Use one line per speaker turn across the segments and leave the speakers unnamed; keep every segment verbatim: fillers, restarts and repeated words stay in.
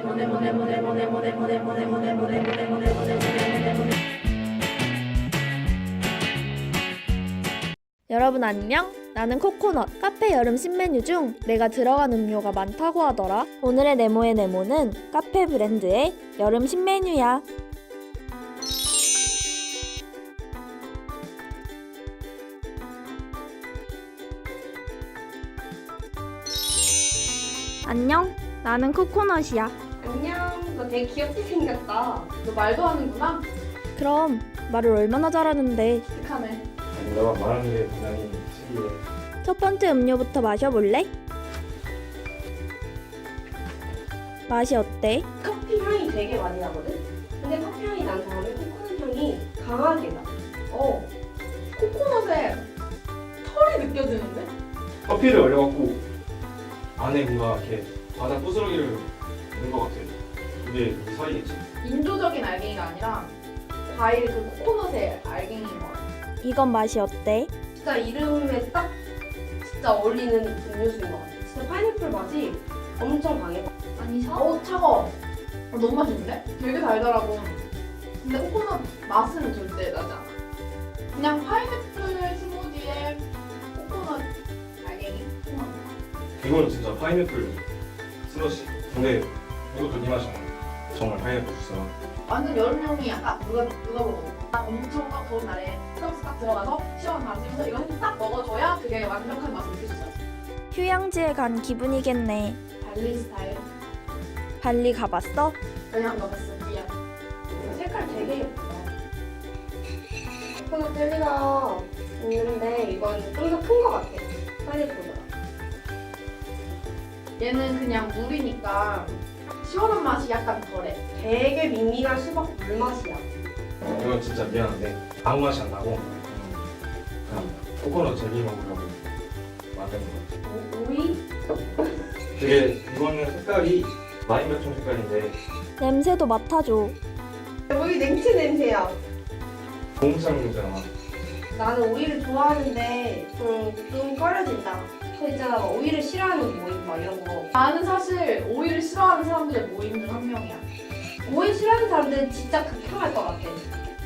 여러분 안녕? 나는 코코넛. 카페 여름 신메뉴 중 내가 들어간 음료가 많다고 하더라. 오늘의 네모의 네모는 카페 브랜드의 여름 신메뉴야. 안녕? 나는 코코넛이야.
안녕. 너 되게 귀엽게 생겼다.
너 말도 하는구나?
그럼 말을 얼마나 잘하는데.
착하네.
아니, 너가 말하는 게 굉장히 신기해.
첫 번째 음료부터 마셔볼래? 맛이 어때?
커피 향이 되게 많이 나거든? 근데 커피 향이 난 다음에 코코넛 향이 강하게 나.
어. 코코넛에 털이 느껴지는데?
커피를 얼려갖고 안에 뭔가 이렇게 바다 부스러기를 넣은 것 같아. 그게 이 사이겠지?
인조적인 알갱이가 아니라 과일 그 코코넛의 알갱이인 것 같아.
이건 맛이 어때?
진짜 이름에 딱 진짜 어울리는 음료수인 것 같아. 진짜 파인애플 맛이 엄청 강해.
아니 샤? 어 차가워. 어, 너무 맛있는데? 되게 달달하고. 근데 코코넛 맛은 절대 나지 않아. 그냥 파인애플 스무디에 코코넛 알갱이.
이건 진짜 파인애플 슬러시. 근데 이것도 네 맛이야. 정말 파인애플 주스야.
완전 여름용이 약간 누가 누가 먹어. 엄청 딱 더운 날에 스타벅스 딱 들어가서 시원 마시면서 이거 한 입 딱 먹어줘야 그게 완벽한 맛을 느낄 수 있어.
휴양지에 간 기분이겠네.
발리 스타일.
발리 가봤어?
그냥 먹었어. 미안.
색깔 되게 예쁘다. 코코넛 젤리가 있는데 이건 좀 더 큰 것 같아. 파인애플보다.
얘는 그냥 물이니까 시원한 맛이 약간 덜해.
되게 밍밍한 수박 물 맛이야.
이건 진짜 미안한데 아무 맛이 안 나고 그냥 코코넛 젤리 먹으려고 만든 거 같아.
오, 오이?
되게 이거는 색깔이 라임백종 색깔인데
냄새도 맡아줘.
오이 냉채 냄새야.
고무장 냄새나.
나는 오이를 좋아하는데 좀, 좀 꺼려진다. 그 있잖아, 막 오이를 싫어하는 모임 막 이런 거.
나는 사실 오이를 싫어하는 사람들의 모임 중 한 명이야.
오이 싫어하는 사람들은 진짜 극혐할 것 같아.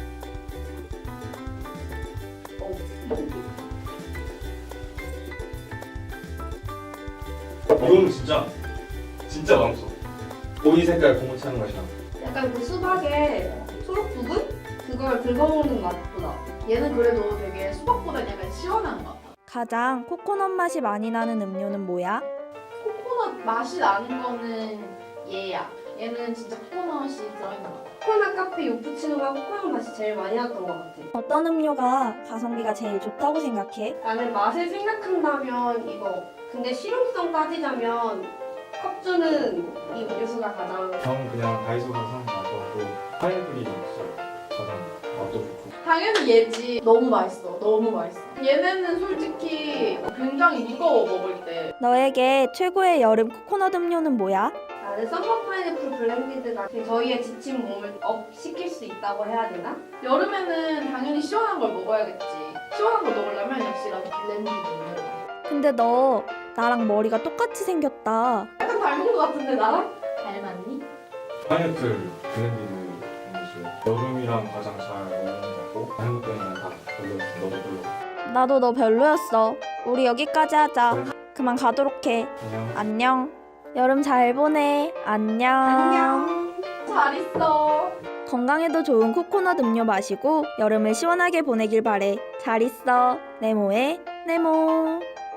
이거는 진짜 진짜 맛없어. 오이 색깔 고무창 맛이야.
약간 그 수박의 초록 부분? 그걸 긁어먹는 맛보다.
얘는 그래도 되게 수박보다 약간 시원한 것 같아.
가장 코코넛 맛이 많이 나는 음료는 뭐야?
코코넛 맛이 나는 거는 얘야. 얘는 진짜 코코넛이 들어있는 것 같아.
코코넛 카페 요푸치노가 코코넛 맛이 제일 많이 났던 것 같아.
어떤 음료가 가성비가 제일 좋다고 생각해?
나는 맛을 생각한다면 이거. 근데 실용성 따지자면 컵주는 이 음료수가 가장.
저는 그냥 다이소 가서 사는 거 같고 파인애플이 진짜 가장 맛도 좋고.
당연히 얘지. 너무 맛있어. 너무 맛있어. 얘네는 솔직히 굉장히 무거워 먹을 때.
너에게 최고의 여름 코코넛 음료는 뭐야?
나는 썸머 파인애플 블렌디드가 저희의 지친 몸을 업 시킬 수 있다고 해야 되나?
여름에는 당연히 시원한 걸 먹어야겠지. 시원한 걸 먹으려면 역시 나도 블렌디드 음료.
근데 너 나랑 머리가 똑같이 생겼다.
약간 닮은 것 같은데 나랑? 닮았니?
파인애플 블렌디드 음료수 여름이랑 가장 잘 어울리는 것 같고 한국 때문에 다 별로였어. 너도 별로.
나도 너 별로였어. 우리 여기까지 하자. 그만 가도록 해.
안녕.
안녕. 여름 잘 보내. 안녕.
안녕.
잘 있어.
건강에도 좋은 코코넛 음료 마시고 여름을 시원하게 보내길 바래. 잘 있어. 네모의 네모.